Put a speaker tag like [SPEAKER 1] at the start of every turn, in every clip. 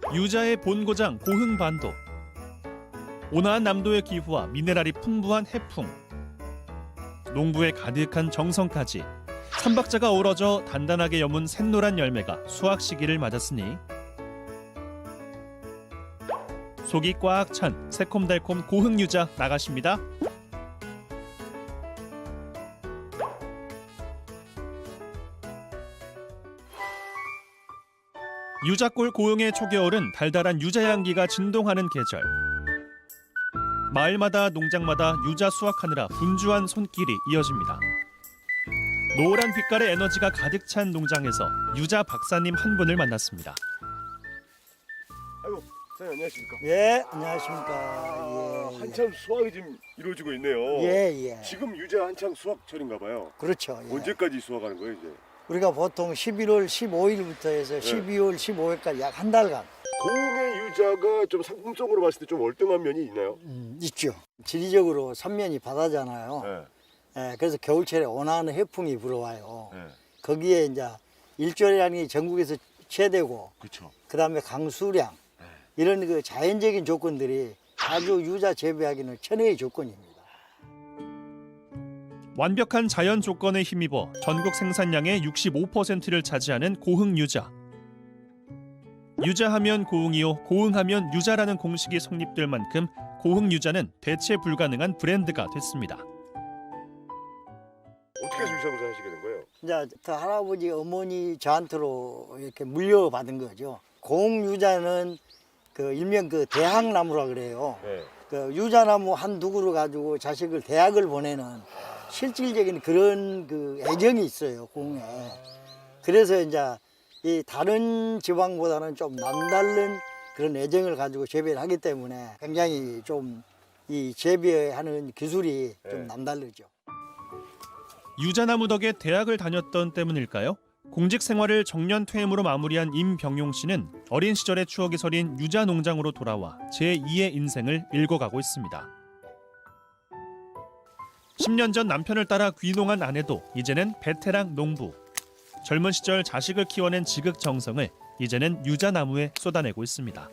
[SPEAKER 1] 유자의 본고장 고흥반도. 온화한 남도의 기후와 미네랄이 풍부한 해풍, 농부의 가득한 정성까지 삼박자가 어우러져 단단하게 여문 샛노란 열매가 수확 시기를 맞았으니 속이 꽉 찬 새콤달콤 고흥유자 나가십니다. 유자골 고흥의 초겨울은 달달한 유자 향기가 진동하는 계절. 마을마다 농장마다 유자 수확하느라 분주한 손길이 이어집니다. 노란 빛깔의 에너지가 가득 찬 농장에서 유자 박사님 한 분을 만났습니다.
[SPEAKER 2] 아이고, 사장님 안녕하십니까?
[SPEAKER 3] 예, 안녕하십니까. 예,
[SPEAKER 2] 한참 수확이 지금 이루어지고 있네요.
[SPEAKER 3] 예.
[SPEAKER 2] 지금 유자 한창 수확철인가 봐요.
[SPEAKER 3] 그렇죠. 예.
[SPEAKER 2] 언제까지 수확하는 거예요, 이제?
[SPEAKER 3] 우리가 보통 11월 15일부터 해서 12월 15일까지 약 한 달간
[SPEAKER 2] 고흥의 유자가 좀 상품성으로 봤을 때 좀 월등한 면이 있나요?
[SPEAKER 3] 있죠. 지리적으로 삼면이 바다잖아요.
[SPEAKER 2] 네.
[SPEAKER 3] 예, 그래서 겨울철에 온화한 해풍이 불어와요.
[SPEAKER 2] 네.
[SPEAKER 3] 거기에 이제 일조량이 전국에서 최대고,
[SPEAKER 2] 그렇죠.
[SPEAKER 3] 그다음에 강수량 이런 그 자연적인 조건들이 아주 유자 재배하기는 천혜의 조건입니다.
[SPEAKER 1] 완벽한 자연 조건에 힘입어 전국 생산량의 65%를 차지하는 고흥 유자. 유자하면 고흥이요, 고흥하면 유자라는 공식이 성립될 만큼 고흥 유자는 대체 불가능한 브랜드가 됐습니다.
[SPEAKER 2] 어떻게 해서 유자 농사 하시게 된 거예요?
[SPEAKER 3] 이제 그 할아버지 어머니 저한테로 이렇게 물려받은 거죠. 고흥 유자는 그 일명 그 대학나무라 그래요.
[SPEAKER 2] 네.
[SPEAKER 3] 그 유자나무 한 두 그루 가지고 자식을 대학을 보내는 실질적인 그런 그 애정이 있어요, 고흥에. 그래서 이제 이 다른 지방보다는 좀 남다른 그런 애정을 가지고 재배를 하기 때문에 굉장히 좀 이 재배하는 기술이 좀 남다르죠.
[SPEAKER 1] 유자나무 덕에 대학을 다녔던 때문일까요? 공직 생활을 정년 퇴임으로 마무리한 임병용 씨는 어린 시절의 추억이 서린 유자 농장으로 돌아와 제2의 인생을 읽어가고 있습니다. 10년 전 남편을 따라 귀농한 아내도 이제는 베테랑 농부. 젊은 시절 자식을 키워낸 지극정성을 이제는 유자나무에 쏟아내고 있습니다.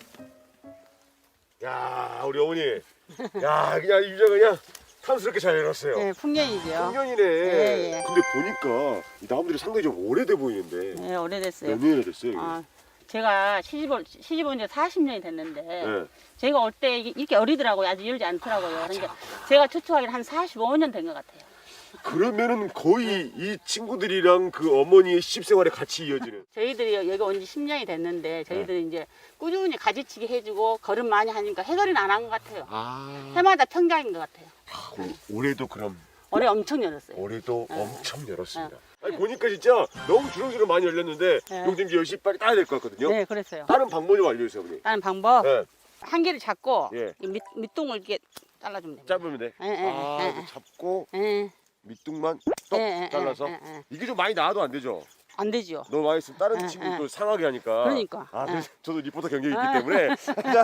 [SPEAKER 2] 야, 우리 어머니. 야, 그냥 유자 그냥 탐스럽게 잘 열었어요.
[SPEAKER 4] 네, 풍년이죠.
[SPEAKER 2] 풍년이네.
[SPEAKER 4] 예.
[SPEAKER 2] 근데 보니까 이 나무들이 상당히 좀 오래돼 보이는데
[SPEAKER 4] 네, 오래됐어요.
[SPEAKER 2] 몇 년이나 됐어요? 이게?
[SPEAKER 4] 제가 시집 온 지 40년이 됐는데
[SPEAKER 2] 네.
[SPEAKER 4] 제가 올 때 이렇게 어리더라고요. 아직 열지 않더라고요. 그러니까 제가 추측하기는 한 45년 된 것 같아요.
[SPEAKER 2] 그러면은 거의 이 친구들이랑 그 어머니의 시집 생활에 같이 이어지는.
[SPEAKER 4] 저희들이 여기 온 지 10년이 됐는데 저희들이 이제 꾸준히 가지치기 해주고 걸음 많이 하니까 해결은 안 한 것 같아요. 해마다 평장인 것 같아요.
[SPEAKER 2] 올해도 그럼
[SPEAKER 4] 올해 엄청 열었어요.
[SPEAKER 2] 올해도
[SPEAKER 4] 네.
[SPEAKER 2] 엄청 열었습니다. 아니 보니까 진짜 너무 주렁주렁 많이 열렸는데
[SPEAKER 4] 네.
[SPEAKER 2] 이거 지금 열심히 빨리 따야 될 것 같거든요.
[SPEAKER 4] 네, 그랬어요.
[SPEAKER 2] 다른 방법 좀 알려주세요, 어머니.
[SPEAKER 4] 다른 방법
[SPEAKER 2] 네.
[SPEAKER 4] 한 개를 잡고
[SPEAKER 2] 예.
[SPEAKER 4] 이 밑동을 이렇게 잘라주면 됩니다.
[SPEAKER 2] 짧으면 돼.
[SPEAKER 4] 예, 예, 예.
[SPEAKER 2] 이거 잡고
[SPEAKER 4] 예,
[SPEAKER 2] 밑둥만 똑
[SPEAKER 4] 예, 예,
[SPEAKER 2] 잘라서.
[SPEAKER 4] 예, 예.
[SPEAKER 2] 이게 좀 많이 나와도 안 되죠.
[SPEAKER 4] 안 되지요.
[SPEAKER 2] 너무 많이 있으면 다른
[SPEAKER 4] 예,
[SPEAKER 2] 친구들
[SPEAKER 4] 예.
[SPEAKER 2] 또 상하게 하니까.
[SPEAKER 4] 그러니까.
[SPEAKER 2] 그래서
[SPEAKER 4] 예.
[SPEAKER 2] 저도 리포터 경력이 있기 때문에.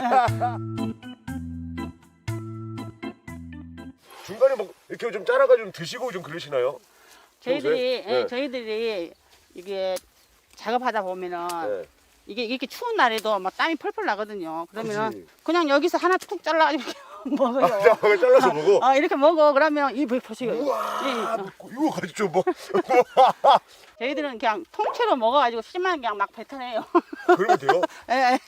[SPEAKER 2] 중간에 막 이렇게 좀 잘라가지고 좀 드시고 좀 그러시나요?
[SPEAKER 4] 저희들이
[SPEAKER 2] 평소에? 네.
[SPEAKER 4] 저희들이 이게 작업하다 보면은
[SPEAKER 2] 네.
[SPEAKER 4] 이게 이렇게 추운 날에도 막 땀이 펄펄 나거든요. 그러면
[SPEAKER 2] 그치.
[SPEAKER 4] 그냥 여기서 하나 툭 잘라가지고 먹어요.
[SPEAKER 2] 잘라서 먹어.
[SPEAKER 4] 이렇게 먹어. 그러면 이 보세요.
[SPEAKER 2] 우와, 이거 가지고 좀 뭐.
[SPEAKER 4] 저희들은 그냥 통째로 먹어가지고 씨만 그냥 막 뱉어내요.
[SPEAKER 2] 그러면 돼요?
[SPEAKER 4] 예, 예.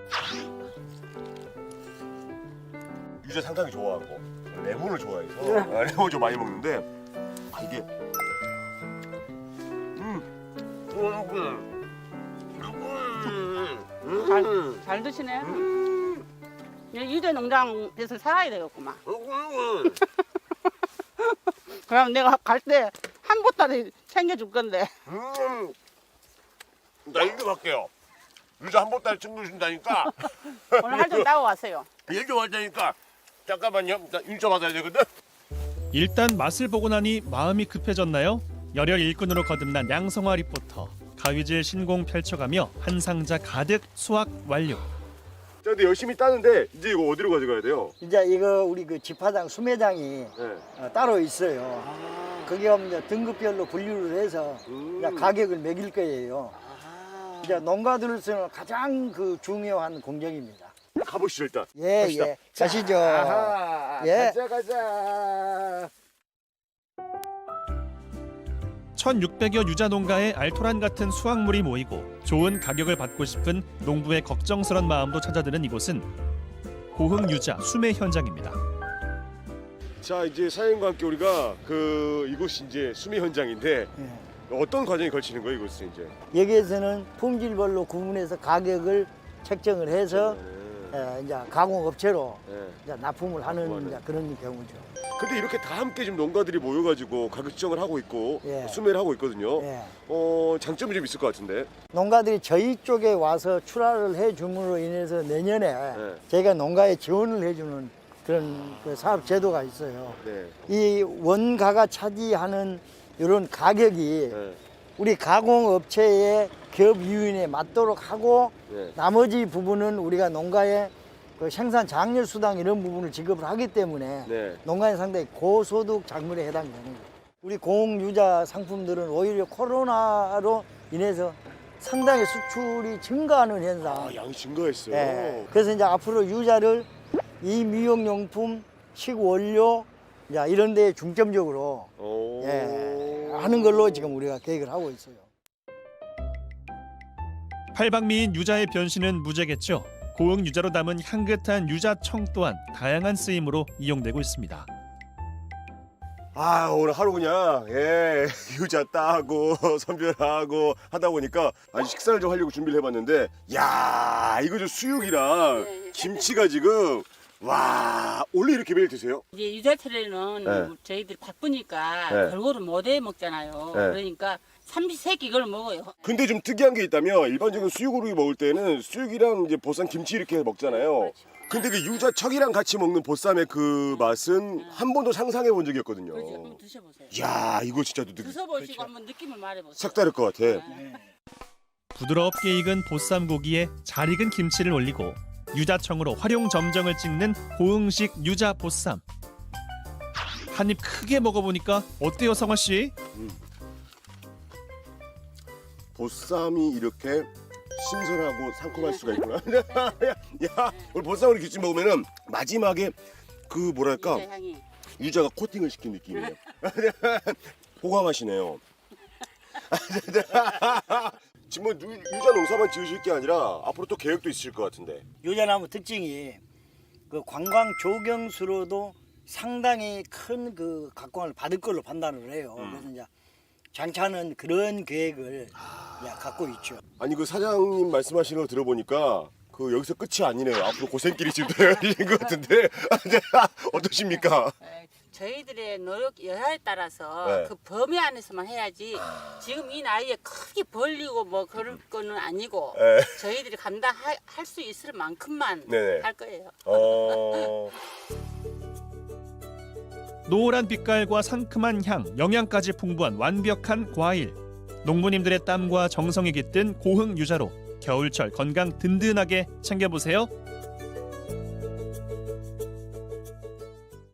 [SPEAKER 2] 유자 상당히 좋아하고 레몬을 좋아해서 레몬 좀 많이 먹는데 이게
[SPEAKER 4] 잘 드시네. 유자 농장에서 살아야 되겠구만. 그럼 내가 갈 때 한 보따리 챙겨줄 건데.
[SPEAKER 2] 나 일 좀 할게요. 유자 한 보따리 챙겨준다니까.
[SPEAKER 4] 오늘 할 좀 따고 왔어요.
[SPEAKER 2] 일 좀 하자니까. 잠깐만요. 나 일 좀 받아야 되거든.
[SPEAKER 1] 일단 맛을 보고 나니 마음이 급해졌나요? 열혈 일꾼으로 거듭난 양성화 리포터. 가위질 신공 펼쳐가며 한 상자 가득 수확 완료.
[SPEAKER 2] 자, 근데 열심히 따는데 이제 이거 어디로 가져가야 돼요?
[SPEAKER 3] 이제 이거 우리 그 집화장 수매장이
[SPEAKER 2] 네.
[SPEAKER 3] 따로 있어요. 거기 가면 이제 등급별로 분류를 해서 이제 가격을 매길 거예요. 이제 농가들로서는 가장 그 중요한 공정입니다.
[SPEAKER 2] 가보시죠 일단.
[SPEAKER 3] 예,
[SPEAKER 2] 갑시다.
[SPEAKER 3] 예. 가시죠.
[SPEAKER 2] 아하,
[SPEAKER 3] 예.
[SPEAKER 2] 가자.
[SPEAKER 1] 1600여 유자 농가의 알토란 같은 수확물이 모이고 좋은 가격을 받고 싶은 농부의 걱정스런 마음도 찾아드는 이곳은 고흥 유자 수매 현장입니다.
[SPEAKER 2] 자 이제 사장님과 함께 우리가 이곳이 이제 수미 현장인데
[SPEAKER 3] 예.
[SPEAKER 2] 어떤 과정이 걸치는 거예요 이곳은 이제?
[SPEAKER 3] 여기에서는 품질별로 구분해서 가격을 책정을 해서 이제 가공업체로
[SPEAKER 2] 네.
[SPEAKER 3] 이제 납품을 하는
[SPEAKER 2] 납품하는.
[SPEAKER 3] 이제 그런 경우죠.
[SPEAKER 2] 근데 이렇게 다 함께 지금 농가들이 모여가지고 가격 지정을 하고 있고
[SPEAKER 3] 예.
[SPEAKER 2] 수매를 하고 있거든요.
[SPEAKER 3] 예.
[SPEAKER 2] 장점이 좀 있을 것 같은데.
[SPEAKER 3] 농가들이 저희 쪽에 와서 출하를 해줌으로 인해서 내년에
[SPEAKER 2] 네.
[SPEAKER 3] 저희가 농가에 지원을 해주는 그런 그 사업 제도가 있어요.
[SPEAKER 2] 네.
[SPEAKER 3] 이 원가가 차지하는 이런 가격이
[SPEAKER 2] 네.
[SPEAKER 3] 우리 가공업체의 기업 유인에 맞도록 하고
[SPEAKER 2] 네.
[SPEAKER 3] 나머지 부분은 우리가 농가의 그 생산 장려 수당 이런 부분을 지급을 하기 때문에
[SPEAKER 2] 네.
[SPEAKER 3] 농가는 상당히 고소득 작물에 해당되는 거예요. 우리 공유자 상품들은 오히려 코로나로 인해서 상당히 수출이 증가하는 현상.
[SPEAKER 2] 아 양이 증가했어요.
[SPEAKER 3] 예. 그래서 이제 앞으로 유자를 이 미용용품, 식원료 이런 데에 중점적으로
[SPEAKER 2] 오.
[SPEAKER 3] 하는 걸로 지금 우리가 계획을 하고 있어요.
[SPEAKER 1] 팔방미인 유자의 변신은 무죄겠죠. 고흥 유자로 담은 향긋한 유자청 또한 다양한 쓰임으로 이용되고 있습니다.
[SPEAKER 2] 아 오늘 하루 그냥 유자 따고 선별하고 하다 보니까 아주 식사를 좀 하려고 준비를 해봤는데 야 이거 좀 수육이랑 김치가 지금 와 원래 이렇게 매일 드세요?
[SPEAKER 4] 이제 유자철에는
[SPEAKER 2] 네.
[SPEAKER 4] 저희들이 바쁘니까
[SPEAKER 2] 네.
[SPEAKER 4] 골고루 못 해 먹잖아요.
[SPEAKER 2] 네.
[SPEAKER 4] 그러니까 삼시세끼 이걸 먹어요.
[SPEAKER 2] 근데 좀 특이한 게 있다면 일반적인 수육으로 먹을 때는 수육이랑 이제 보쌈 김치 이렇게 먹잖아요. 근데 그 유자청이랑 같이 먹는 보쌈의 그 맛은 한 번도 상상해 본 적이 없거든요.
[SPEAKER 4] 그렇지, 한번 드셔보세요.
[SPEAKER 2] 야 이거 진짜
[SPEAKER 4] 드셔보시고 한번 느낌을 말해보세요.
[SPEAKER 2] 색다를 것 같아.
[SPEAKER 1] 부드럽게 익은 보쌈고기에 잘 익은 김치를 올리고 유자청으로 활용 점정을 찍는 고흥식 유자 보쌈. 한 입 크게 먹어보니까 어때요, 성화 씨?
[SPEAKER 2] 보쌈이 이렇게 신선하고 상큼할 수가 있구나. 야, 오늘 보쌈을 이렇게 먹으면은 마지막에 그 뭐랄까
[SPEAKER 4] 유자 향이.
[SPEAKER 2] 유자가 코팅을 시킨 느낌이에요. 호감하시네요. 지금 뭐 유자 농사만 지으실 게 아니라 앞으로 또 계획도 있으실 것 같은데.
[SPEAKER 3] 유자나무 특징이 그 관광 조경수로도 상당히 큰 그 각광을 받을 걸로 판단을 해요. 그래서 이제 장차는 그런 계획을 이제 갖고 있죠.
[SPEAKER 2] 아니 그 사장님 말씀하시는 거 들어보니까 그 여기서 끝이 아니네요. 앞으로 고생길이 지금 되어진 것 같은데 어떠십니까?
[SPEAKER 4] 저희들의 노력 여하에 따라서
[SPEAKER 2] 네.
[SPEAKER 4] 그 범위 안에서만 해야지 지금 이 나이에 크게 벌리고 뭐 그럴 거는 아니고
[SPEAKER 2] 네.
[SPEAKER 4] 저희들이 감당할 수 있을 만큼만
[SPEAKER 2] 네네.
[SPEAKER 4] 할 거예요.
[SPEAKER 1] 노란 빛깔과 상큼한 향, 영양까지 풍부한 완벽한 과일. 농부님들의 땀과 정성이 깃든 고흥 유자로 겨울철 건강 든든하게 챙겨보세요.